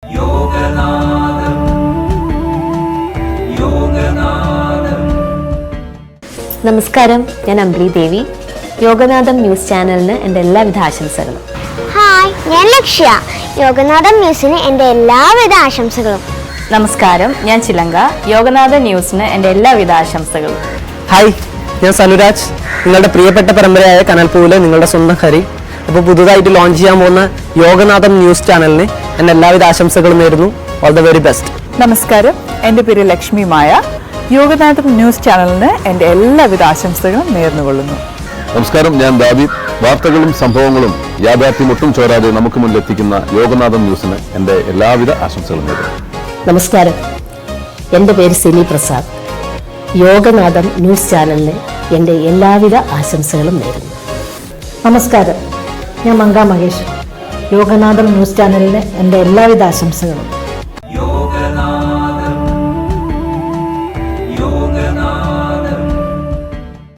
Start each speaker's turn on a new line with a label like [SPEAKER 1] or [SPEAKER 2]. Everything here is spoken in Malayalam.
[SPEAKER 1] നമസ്കാരം, ഞാൻ അംബ്ലി ദേവി. യോഗനാഥം ന്യൂസ് ചാനലിന് എൻ്റെ എല്ലാവിധ ആശംസകളും.
[SPEAKER 2] ഹായ്, ഞാൻ ലക്ഷ്യ. യോഗനാഥം ന്യൂസിന് എൻ്റെ എല്ലാവിധ ആശംസകളും.
[SPEAKER 3] നമസ്കാരം, ഞാൻ ചിലങ്ക. യോഗനാഥൻ ന്യൂസിന് എൻ്റെ എല്ലാവിധ ആശംസകളും.
[SPEAKER 4] ഹായ്, ഞാൻ സനുരാജ്. നിങ്ങളുടെ പ്രിയപ്പെട്ട പരമ്പരയായ കനൽപ്പൂവിലെ നിങ്ങളുടെ സ്വന്തം ഹരി. അപ്പോൾ പുതുതായിട്ട് ലോഞ്ച് ചെയ്യാൻ പോകുന്ന യോഗനാഥം ന്യൂസ് ചാനലിന് എൻ്റെ എല്ലാവിധ ആശംസകളും നേരുന്നു. All the very best.
[SPEAKER 5] നമസ്കാരം, എൻ്റെ പേര് ലക്ഷ്മി മായ. യോഗനാഥം ന്യൂസ് ചാനലിന് എൻ്റെ എല്ലാവിധ ആശംസകളും നേർന്നുകൊള്ളുന്നു.
[SPEAKER 6] നമസ്കാരം, ഞാൻ ദാവീദ്. വാർത്തകളും സംഭവങ്ങളും യാഥാർത്ഥ്യം ഒട്ടും ചോരാതെ നമുക്ക് മുന്നിലെത്തിക്കുന്ന യോഗനാഥം ന്യൂസിന് എൻ്റെ എല്ലാവിധ ആശംസകളും നേരുന്നു.
[SPEAKER 7] നമസ്കാരം, എൻ്റെ പേര് സിനി പ്രസാദ്. യോഗനാഥം ന്യൂസ് ചാനലിന് എൻ്റെ എല്ലാവിധ ആശംസകളും നേരുന്നു.
[SPEAKER 8] നമസ്കാരം, ഞാൻ മങ്ക മഹേഷ്. യോഗനാഥം ന്യൂസ് ചാനലിന് എൻ്റെ എല്ലാവിധ ആശംസകളും.